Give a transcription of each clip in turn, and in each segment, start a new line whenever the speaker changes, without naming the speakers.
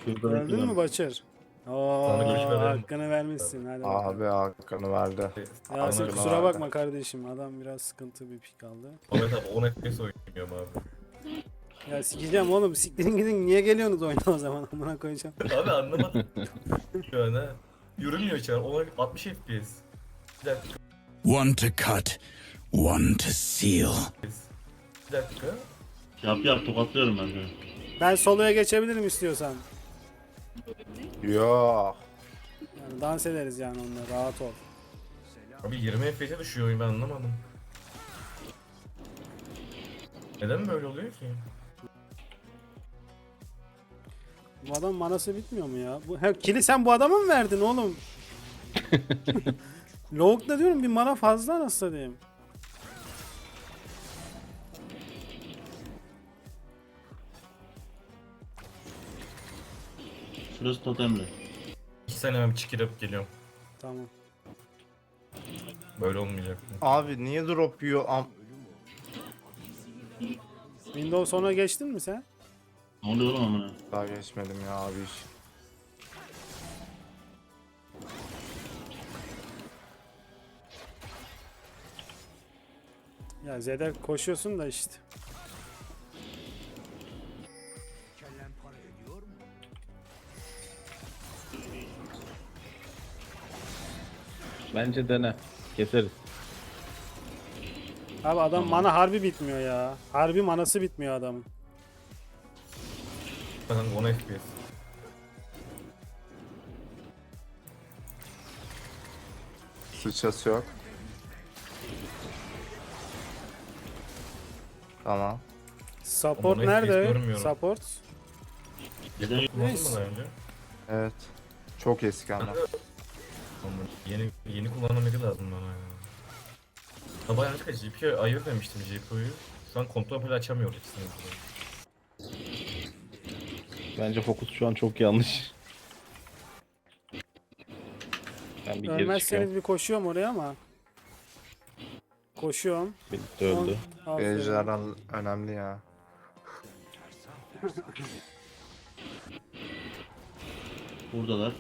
Öldün mü Başır? Oo,
Sana görüşme verelim.
hakkını vermişsin. Hadi bakalım.
Abi hakkını verdi.
Yasin
Hakkını
kusura
verdi.
bakma kardeşim. Adam biraz sıkıntı bir pik aldı.
Ahmet abi 10 FPS oynuyorum abi.
Ya sikeceğim oğlum. Siktirin gidin. Niye geliyorsunuz oyuna o zaman? Amına koyacağım.
Abi anlamadım. Şu an ha. Yürümüyor şu an. 60 FPS. Bir dakika.
One to cut, one to seal.
Bir dakika.
Yap tokatlıyorum ben de.
Ben soloya geçebilirim istiyorsan.
Yok.
Yani dans ederiz yani onunla. Rahat ol.
Abi 20 FPS'e düşüyor oyun, ben anlamadım. Neden böyle oluyor ki?
Bu adam manası bitmiyor mu ya? Kili sen bu adama mı verdin oğlum? Log'da diyorum bir mana fazla nasıl diyeyim.
Şurası totemli.
2 sene ben çıkıp geliyorum.
Tamam.
Böyle olmayacak.
Abi niye drop yiyor?
Windows sonra geçtin mi sen?
Ne oluyor oğlum amına?
Daha geçmedim ya abi iş.
Ya Z'de koşuyorsun da işte.
Bence dene. Keseriz.
Abi adam mana harbi bitmiyor ya. Harbi manası bitmiyor adamın.
Bakın 10 FPS.
Sıçrası yok.
Support
Tamam.
Ama onu hiç
nerede?
görmüyorum.
Support.
Kullandın mı daha önce?
Evet. Çok eski ama.
Ama yeni kullanılması lazım bana ya. Ha bayağı açık GPU'yu ayır demiştim GPU'yu. Şu an kontrol bile açamıyor ikisini.
Bence fokus şu an çok yanlış. Ben bir geri
Ölmezseniz
çıkıyorum.
bir koşuyorum oraya ama. Koşuyorum.
Birlikte öldü.
Aferin.
Ejderhan önemli ya.
Buradalar.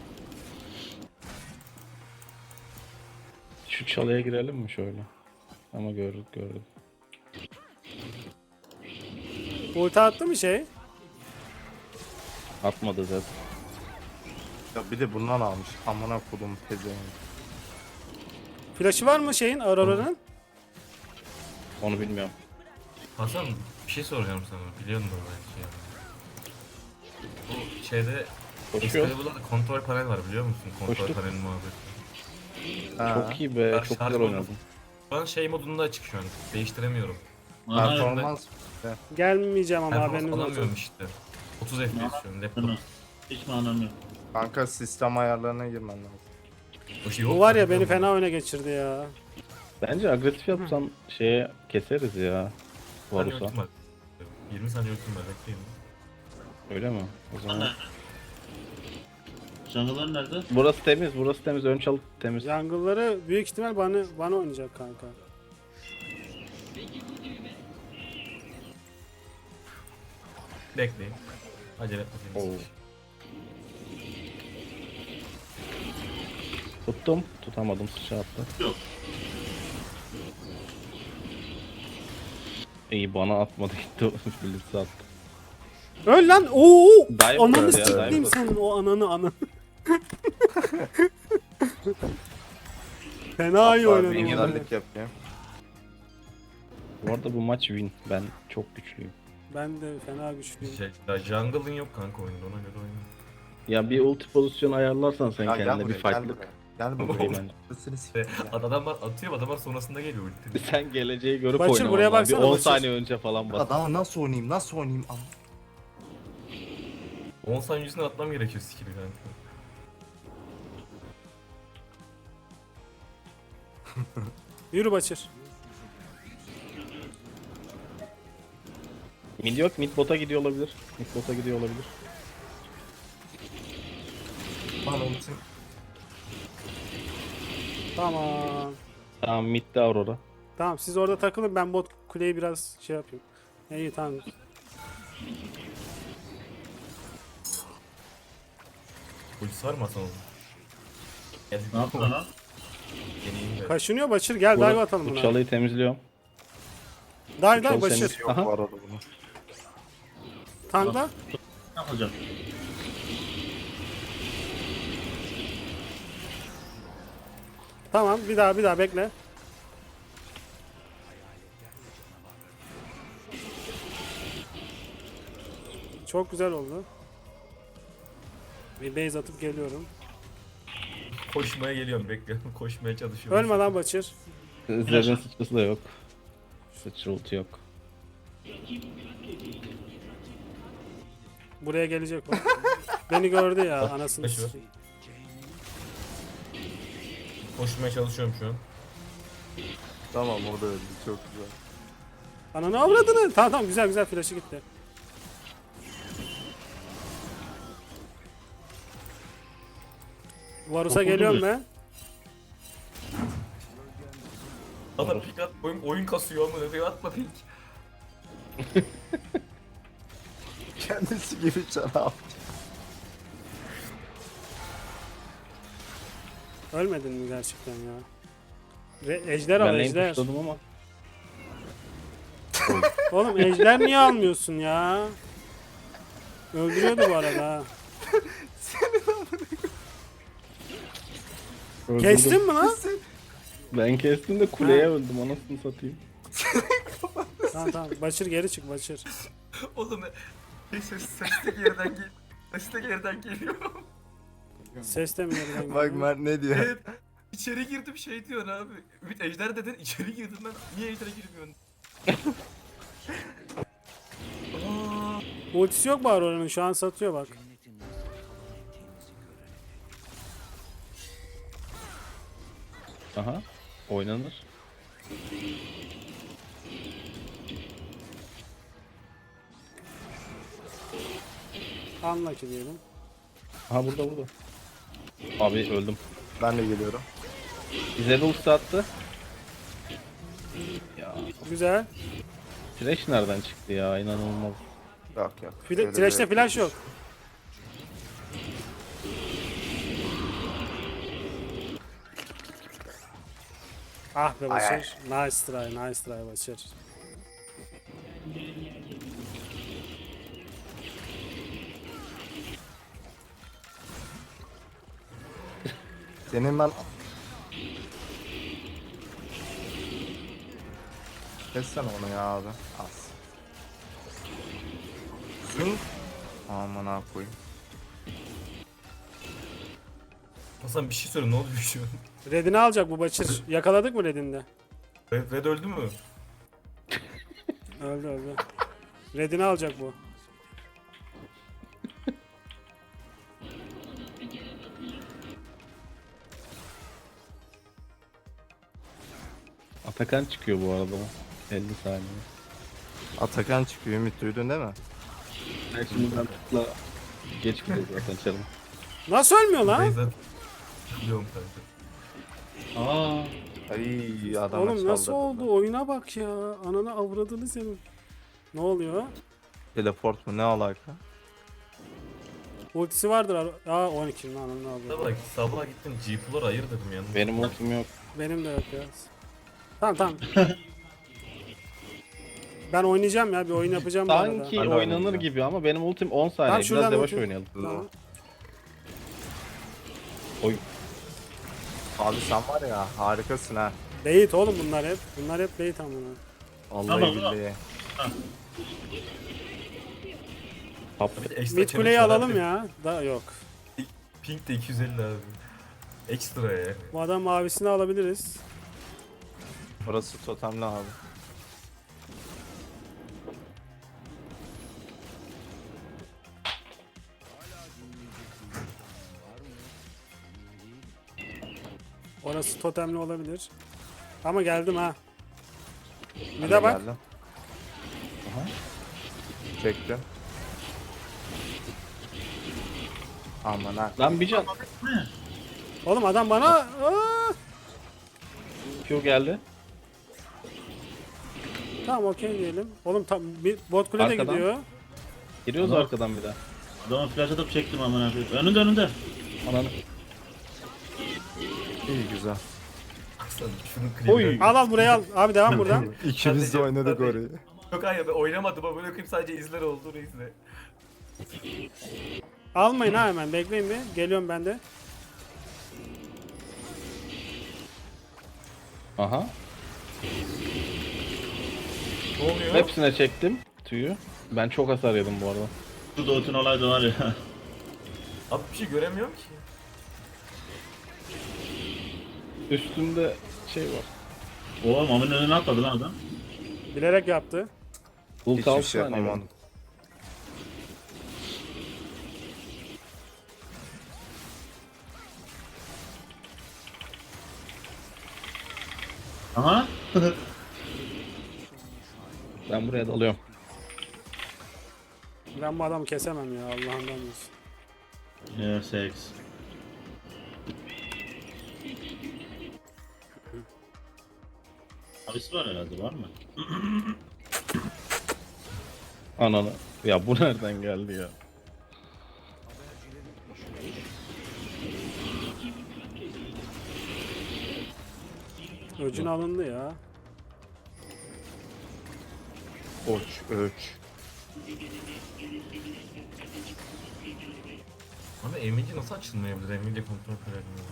Şu çalıya girelim mi şöyle? Ama gördük.
Ulti attı mı şey?
Atmadı zaten.
Ya bir de bundan almış. Amına kodum pezevenk.
Flash'ı var mı şeyin Aurora'nın?
Onu bilmiyorum.
Hasan bir şey soracağım sana. Biliyor musun belki ya? Bu şeyde
Koşuyor.
Excalibur'da kontrol panel var biliyor musun? Kontrol
Koştuk.
paneli muhabbeti.
Ha.
Çok iyi be.
Bak,
Çok
şarj
güzel
oldu.
oynadın.
Şu an şey modunda açık şu an. Değiştiremiyorum.
Performans.
Gelmeyeceğim ama
Performans
haberiniz olsun.
alamıyorum işte. 30 FPS şu an laptop.
Tamam. Hiç manam yok.
Kanka sistem ayarlarına girmen lazım.
O şey
Bu
yok
var ya
zaten.
beni fena oyuna geçirdi ya.
Bence agresif yapsan şeye keseriz ya.
Saniye
Varus'a.
ultim var. 20 saniye ultim var bekleyin.
Öyle mi? O zaman.
Jungle'lar nerede?
Burası temiz. Ön çalı temiz.
Jungle'ları büyük ihtimal bana oynayacak kanka.
Bekleyin. Acele
Oo.
etmeyin.
Tuttum. Tutamadım. Sıçra attı.
Yok.
İyi bana atmadı gitti. Birisi attı.
Öl lan! Oo!
Dive
Ananı
vurdu ya,
sikeyim
dive
senin o ananı. Fena iyi
Hatta
oynadın.
bir
oğlum.
güzellik yapayım.
Bu arada bu maç win. Ben çok güçlüyüm.
Ben de fena güçlüyüm.
Ya jungle'ın yok kanka oyunda, ona göre oyna.
Ya bir ulti pozisyonu ayarlarsan sen
Ya gel
kendine bir
buraya, gel
farklılık.
buraya. Gel
Buraya
buraya.
bence.
Seni sikeyim ya.
Adamlar atıyor, adamlar sonrasında geliyor ulti.
Sen geleceği görüp
Başır,
oynaman
buraya
lazım. Bir
baksana,
10
Başır.
saniye önce falan bas.
Daha nasıl oynayayım?
10 saniye yüzünden atmam gerekiyor skill'i kanka.
Yürü Başır.
Mid yok. Mid bota gidiyor olabilir. Mid bota gidiyor olabilir.
Bana ultim.
Tamam.
Tamam midde Aurora.
Tamam siz orada takılın, ben bot kuleyi biraz şey yapayım. İyi tamam.
Ultisi var mı Hasan oğlum? Gel.
Ne yaptı lan?
Yeneyim de.
Kaşınıyor Başır. Gel dive atalım
Bu
buna.
çalıyı temizliyorum.
Dive
Çal
Başır.
seni.
Yok
Aha.
bu arada bunu.
Tankla.
Ne yapacağım?
Tamam bir daha bekle. Çok güzel oldu. Bir base atıp geliyorum.
Koşmaya geliyorum bekliyorum. Koşmaya çalışıyorum.
Ölme lan Başır.
Zerrin sıçrası da yok. Sıçra ulti yok.
Buraya gelecek o. Beni gördü ya anasını
Başı var.
sikeyim.
Koşmaya çalışıyorum şu an.
Tamam o da öldü çok güzel.
Ananı avradını. Tamam güzel flash'ı gitti. Varus'a geliyorum ben.
Adam pik at, oyun kasıyor ama ne atma pik.
Kendisi gibi canavar.
Ölmedin mi gerçekten ya? Ejder al
Ben lane
ejder.
pushladım ama.
Oğlum ejder niye almıyorsun ya? Öldürüyordu bu arada ha.
Öldürdüm.
Kestin mi lan?
Ben kestim de kuleye öldüm. Anasını satayım.
Tamam. Başır geri çık Başır.
Oğlum ses de geriden gel. Ses de geriden geliyor.
Ses de mi yerden
Bak
geliyor?
Mert ne diyor?
Evet. İçeri girdim şey diyorsun abi. Ümit ejder dedin içeri girdim ben. Niye ejdere girmiyorsun? Aa,
Ultisi yok bari oranın şu an satıyor bak.
Aha. Oynanır.
Anla ki diyelim.
Aha burada. Abi öldüm.
Ben de geliyorum.
Bize de ulti attı. Ya
Güzel.
Thresh nereden çıktı ya? İnanılmaz.
Yok. Öyle bir
Thresh'te
yok.
flash yok. Ah be Başır. Nice try Başır.
Senin ben... Kessene onu ya abi. Az. Zing. Aman ha koyayım.
Hasan bir şey söyle ne oluyor şu an?
Red'ini alacak bu Başır. Yakaladık mı Red'inde?
Red öldü mü?
Öldü. Red'ini alacak bu.
Atakan çıkıyor bu arada. 50 saniye.
Atakan çıkıyor Ümit duydun değil mi?
Ben şimdi ben tıkla geç gidiyor zaten çalım.
Nasıl ölmüyor lan?
Beyza biliyorum kanka.
Aa,
Ay adama
Oğlum nasıl
saldırdı.
oldu? Oyuna bak ya. Ananı avradını senin. Ne oluyor?
Teleport mu ne alaka?
Ultisi vardır. Aa 12 lan ananı avradı.
Sabah gittim G-Floor ayır dedim yani.
Benim ultim yok.
Benim de yok ya. Tamam. Ben oynayacağım ya. Bir oyun yapacağım bu arada.
Sanki
Ben de
oynanır
oynayacağım.
gibi ama benim ultim 10 saniye.
Tamam, şuradan
Biraz yavaş
ulti-
oynayalım.
Tamam.
Oy.
Abi sen var ya harikasın ha.
Bait oğlum bunlar hep. Bunlar hep bait amına.
Vallahi
Tamam,
billahi.
Hop.
Ekstra
Mid
challenge
kuleyi
var
alalım
abi.
ya. Da yok.
Pink de 250 abi. Ekstra ya.
Bu adam mavisini alabiliriz.
Burası totemli abi.
Orası totemli olabilir. Ama geldim ha. Bir
Ben
de bak.
geldim. Çektim. Aman ha.
Lan bir can.
Oğlum adam bana... Aa!
Q geldi.
Tamam okey diyelim. Oğlum tam bir bot kule de
Arkadan.
gidiyor.
Giriyoruz
Tamam.
arkadan bir daha.
adama flash atıp çektim aman abi. Önünde.
Ananı.
İyi güzel.
Baksana şunun klibine.
Oy.
Al buraya al. Abi devam buradan.
İkimiz de oynadık orayı.
Yok hayır ben oynamadım ama böyle sadece izler oldu izle.
Almayın ha hemen. Bekleyin bir. Geliyorum ben de.
Aha.
Ne oluyor?
Hepsine çektim tüyü. Ben çok hasar yedim bu arada.
Şu Doğut'un olayı da var ya.
Abi bir şey göremiyorum ki.
Üstünde şey var.
Oha Mami'nin önüne atladı lan adam.
Bilerek yaptı.
Ult
Hiçbir
6
şey
saniye
yapamadım.
var.
Aha.
Ben buraya dalıyorum.
Ben bu adamı kesemem ya. Allah'ından olsun.
Yeah, sex. Abisi var herhalde, var mı?
Ananı. Ya bu nereden geldi ya?
Öcün alındı ya.
Öç.
Ama Emilie nasıl açılmayabilir? Emilie kontrol edemiyor.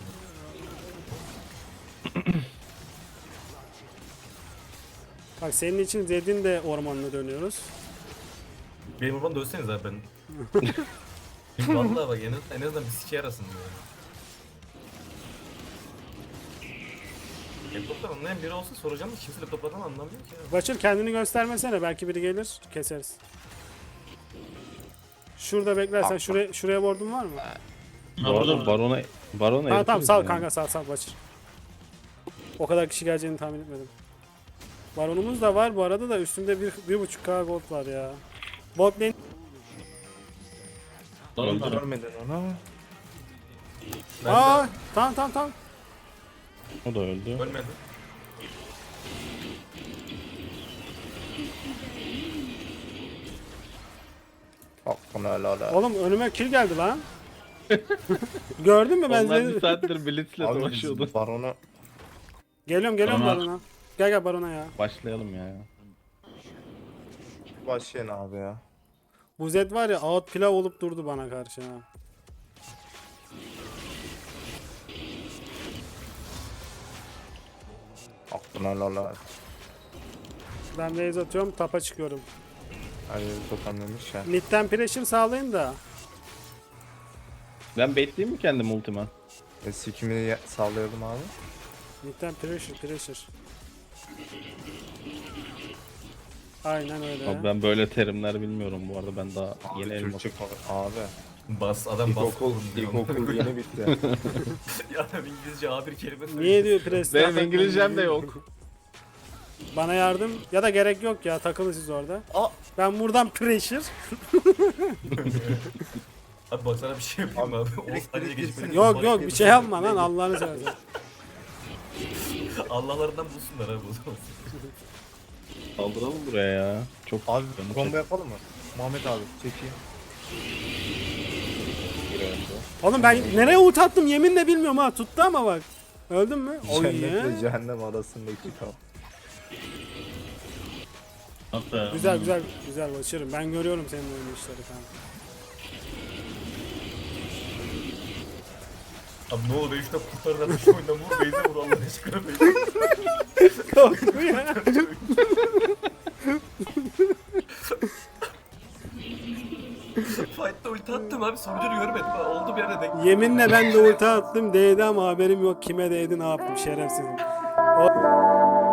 Bak senin için Zed'in de ormanına dönüyoruz.
Benim oradan dönseniz abi ben. Vallahi bak en azından bir sike yarasın diyor. Laptop'tan anlayan biri olsa soracağım da kimse laptoplardan anlamıyor ki ya.
Başır kendini göstermesene. Belki biri gelir. Keseriz. Şurada beklersen şuraya ward'un var mı?
Ha
Bu arada
burada
barona
Tamam tamam
eritiriz
sal
yani.
kanka sal Başır. O kadar kişi geleceğini tahmin etmedim. Baronumuz da var bu arada da üstünde 1.5k gold var ya. Bot lane
Görmedin onu.
Ben
aa tamam.
O da öldü.
de ölmedim.
Hakkını helal.
Oğlum önüme kill geldi lan. Gördün mü ben
Onlar
seni?
bir saattir Blitz'le
Abi
dolaşıyordu.
biz baronu
Geliyorum
Tamam.
barona. Gel barona ya.
Başlayalım ya.
başlayın abi ya.
Bu Zed var ya out pilav olup durdu bana karşı ha.
Hakkını helal.
Ben raise atıyorum tapa çıkıyorum.
Hayır totemlemiş ya.
Mid'den pressure sağlayın da.
Ben bekleyeyim mi kendim ultima?
Sikimi sallayalım abi.
Mid'den pressure. Aynen öyle.
Abi ben böyle terimler bilmiyorum bu arada. Ben daha yeni
Abi
elmas.
Türkçe abi.
Bas adam bas.
İlkokul yeni bitti.
Ya adam İngilizce A1 kelime söylüyor.
Niye diyor press?
Benim İngilizcem de yok.
Bana yardım ya da gerek yok ya takılın siz orada. Ben buradan pressure.
Abi bak sana bir şey yapayım abi. O saniye geçip
Yok bir şey yapma lan Allah'ını seversen.
Allah'larından bulsunlar abi o zaman.
Saldıralım buraya ya. Çok
Abi
canım
combo yapalım mı? Muhammed abi çekeyim.
Oğlum ben nereye ult attım yeminle bilmiyorum ha tuttu ama bak. Öldün mü? Oy
Cennetle
ya.
cehennem arasındaki kal.
Bak be.
Güzel başarım. Ben görüyorum senin oyun işleri kanka.
Abi ne olur 3 dakika kurtarın abi şu oyundan vur beyze vur Allah aşkına beyze.
Korku ya.
Fight'ta ulti attım abi sonucunu görmedim ha. Oldu bir yere denk.
Yeminle ben de ulti attım değdi ama haberim yok kime değdi ne yaptım şerefsizim. O...